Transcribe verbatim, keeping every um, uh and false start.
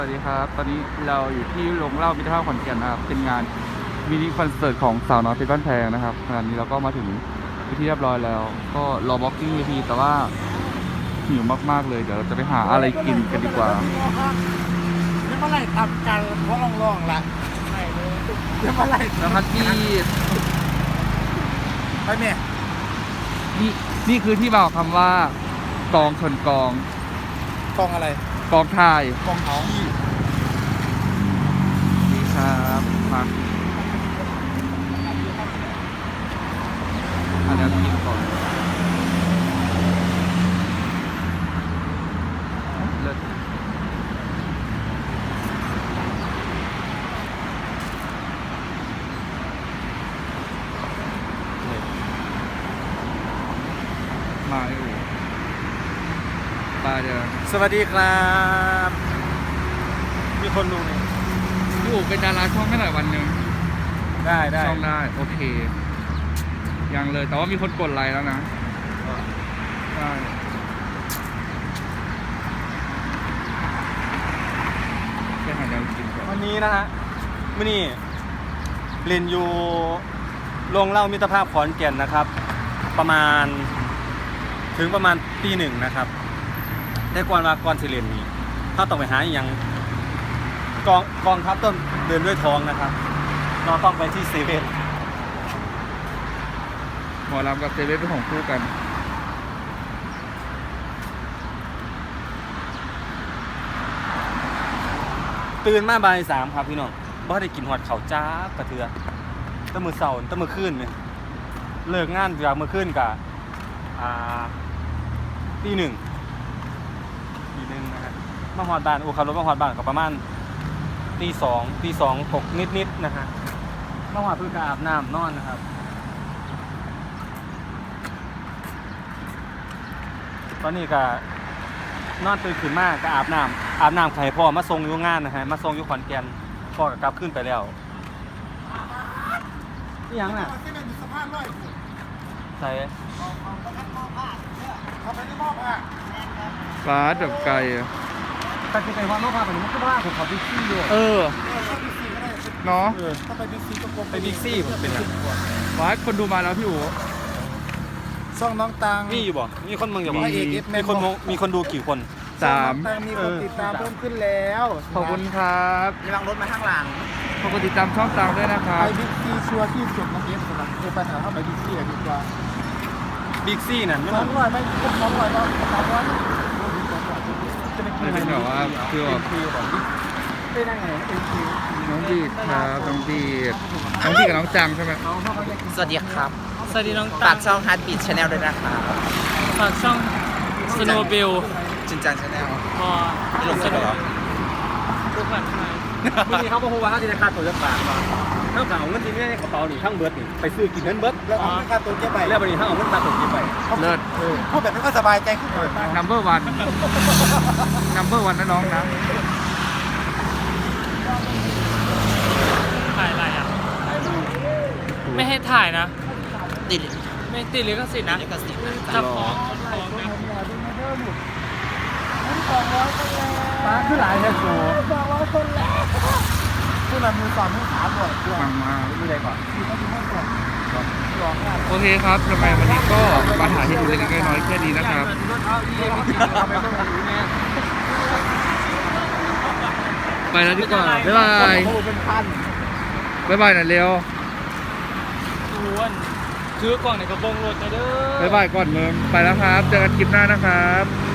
สวัสดีครับตอนนี้เราอยู่ที่โรงเล่ามิตรภาพขอนแก่นนะครับเป็นงานมินิคอนเสิร์ตของสาวน้อยเพชรบ้านแพงนะครับขณะนี้เราก็มาถึงที่เรียบร้อยแล้ว ก็รอบล็อกกิ้งเวทีแต่ว่าหิวมากๆเลยเดี๋ยวเราจะไปหาอะไรกินกันดีกว่านี่เมื่อไหร่ทำกันเพราะลองๆละไม่เลยนี่เมื่อไหร่นะครับที่ไปเมียนี่นี่คือที่มาของคำว่ากองชนกองกองอะไรกองถ่ายกองเขานี่ครับมาอันนี้กินก่อนเลิศมาอยู่ปลาเดียวสวัสดีครับมีคนดูนี่อยู่เป็นดาราช่องไม่หลายวันหนึ่งได้ได้ช่องได้โอเคยังเลยแต่ว่ามีคนกดไลค์แล้วนะใช่แค่หาแนวกินก่อนวันนี้นะฮะมื่อนี้เรียนอยู่โรงเล่ามิตรภาพขอนแก่นนะครับประมาณถึงประมาณตีหนึ่งนะครับแต่ก่อนว่าก่อนสิเรียนนี้ถ้าต้องไปหาอย่างกองกองทัพต้นเดินด้วยท้องนะครับเราต้องไปที่เซเว่นหมอลำกับเซเว่นเป็นของคู่กันตื่นมาบ่ายสามครับพี่น้องบ่ได้กินหอดเข่าจ้ากระเทือตั้งมือเสาร์ตั้งมือคืนเนี่ยเลิกงานจากมือคืนกับอ่าตีหนึ่งตีหนึ่งนะฮะมาหอดบ้านโอ้ขับรถมาหอดบ้านกับประมาณตีสองตีสองตกนิดๆนะฮะมาหอดเพื่อการอาบน้ำนอนนะครับตอนนี้ก็นอนตื่นขึ้นมากก็อาบน้ำอาบน้ำไข่พ่อมาส่งอยู่งานนะฮะมาส่งอยู่ขอนแก่นพ่อก็กลับขึ้นไปแล้วนี่ยังน่ะใส่ฟ้าดับไก่แต่ที่ไปว่าโลกภาพแบบนี้มันก็ว่าผมขอบิ๊กซี่ด้วยเออเนาะถ้าไปบิ๊กซี่ก็ไปบิ๊กซี่ผมเป็นอะไรฟ้าคนดูมาแล้วพี่อู๋ช่องน้องตังมีอยู่บ่มีคนมึงอยู่บ่มีคนมีคนดูกี่คนสามมีคนติดตามเพิ่มขึ้นแล้วขอบคุณครับมีลังรถมาข้างหลังขอบคุณติดตามช่องตังด้วยนะครับไปบิ๊กซี่ชัวร์ที่สุดน้องเอฟสุดนะเดี๋ยวไปหาเข้าไปบิ๊กซี่ดีกว่าบิ๊กซี่นั่นไม่ต้องร้อยไม่ต้องร้อยแล้วสามร้อยจะเป็นแบบว่าคือแบบเป็นยังไงเป็นคิวน้องดีดครับน้องดีดน้องดีดกับน้องจังใช่ไหมสวัสดีครับสวัสดีน้องฝากช่อง Heartbeat Channel ด้วยนะครับฝากช่อง Snowbill จินจัง Channel พอไม่ลงเสนอหรอทุกวันไทยวันนี้เขาบอกว่าเขาจะค่าตัวจะฝากมาเท่ากับเงินที่นี่ในกระเป๋านี่ทั้งเบิร์ดนี่ไปซื้อกินเงินเบิร์ดแล้วเอาค่าตัวเก็บไปแล้ววันนี้ทั้งเอาเงินค่าตัวเก็บไปเลิศเขาแบบนี้ก็สบายใจขึ้นเลย number one number one นะน้องนะถ่ายอะไรอ่ะไม่ให้ถ่ายนะติดไม่ติดลิขสิทธิ์นะจับฟ้องฟ้องนะมาขึ้นหลายแค่โซ่สองร้อยคนแล้วผู้นำมือสอนมือขาบ่อยด้วยฟังมาดูอะไรก่อนดูเขาดูให้ก่อนโอเคครับทำไมวันนี้ก็มาถ่ายให้ดูเล็กๆน้อยๆแค่นี้นะครับไปแล้วดีกว่าบ๊ายบายบ๊ายบายหน่อยเร็วอ้วนถือกล่องในกระบองรถเด้อบ๊ายบายก่อนเมืองไปแล้วครับเจอกันคลิปหน้านะครับ